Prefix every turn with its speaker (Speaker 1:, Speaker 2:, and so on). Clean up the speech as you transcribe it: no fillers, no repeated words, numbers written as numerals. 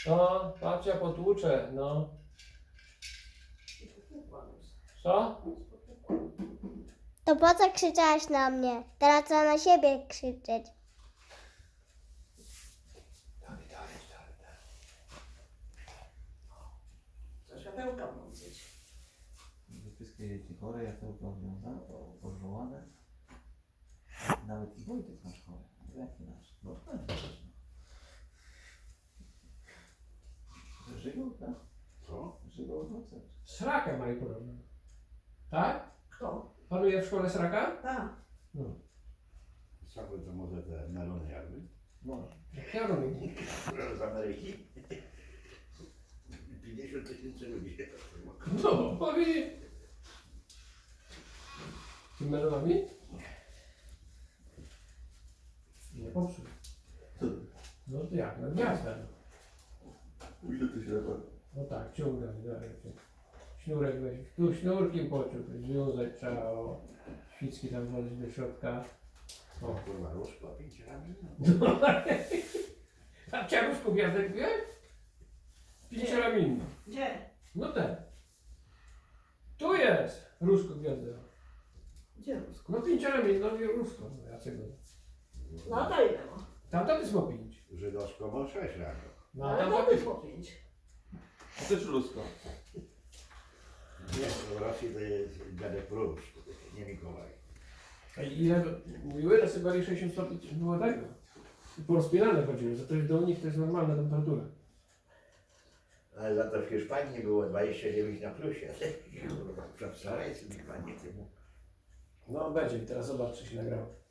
Speaker 1: No, babcia potłucze, no. Co?
Speaker 2: To po co krzyczałaś na mnie? Teraz trzeba na siebie krzyczeć.
Speaker 1: Dalej.
Speaker 3: Co światełka włączyć.
Speaker 4: Wszystkie dzieci chore, ja to oglądam, pożołane. Nawet i Wojtek nasz chory. Jaki nasz? No ten też. Żygał, tak?
Speaker 5: Co?
Speaker 4: Żygał owoce.
Speaker 1: Srakę mają podobno. Tak?
Speaker 3: Kto?
Speaker 1: Panuje w szkole sraka?
Speaker 3: Tak.
Speaker 1: No.
Speaker 5: Same to może te melony jakby?
Speaker 4: Może.
Speaker 1: Jak ja robię.
Speaker 5: Z Ameryki? 50 000 ludzi.
Speaker 1: No, powiedz. Ty melonami? Nie popsuł. No to jak? No gwiazda.
Speaker 4: Ile to się da?
Speaker 1: No tak, ciągnę. Sznurek weź. Tu sznurkiem pociąg. Związać trzeba. O. Świcki tam włożyć do środka.
Speaker 5: O kurwa, różko, 5 ramion.
Speaker 1: No. A ciaruszku gwiazdek wziąłeś? Pięcioramienny.
Speaker 3: Gdzie?
Speaker 1: No ten. Tu jest różko gwiazda.
Speaker 3: Gdzie Rusko?
Speaker 1: No pięcioramienny, no i różko. No Jacego.
Speaker 3: No to ile ma?
Speaker 1: Tamta jest ma 5.
Speaker 5: Żydowsko ma 6 ramion.
Speaker 1: No a
Speaker 3: Ale
Speaker 1: tamta
Speaker 3: to
Speaker 1: jest.
Speaker 3: było 5.
Speaker 4: A też ludzko.
Speaker 5: Nie, w Rosji to jest dziadek Róż, nie Mikołaj.
Speaker 1: A ile mówiły, że sobie 60 stopni było tego. I porozpierane chodziło, że to jest do nich to jest normalna temperatura.
Speaker 5: Ale za to w Hiszpanii było 29 na plusie. Kurwa, przedstawiaj sobie panie temu.
Speaker 1: No będzie, teraz zobacz, czy się nagrało.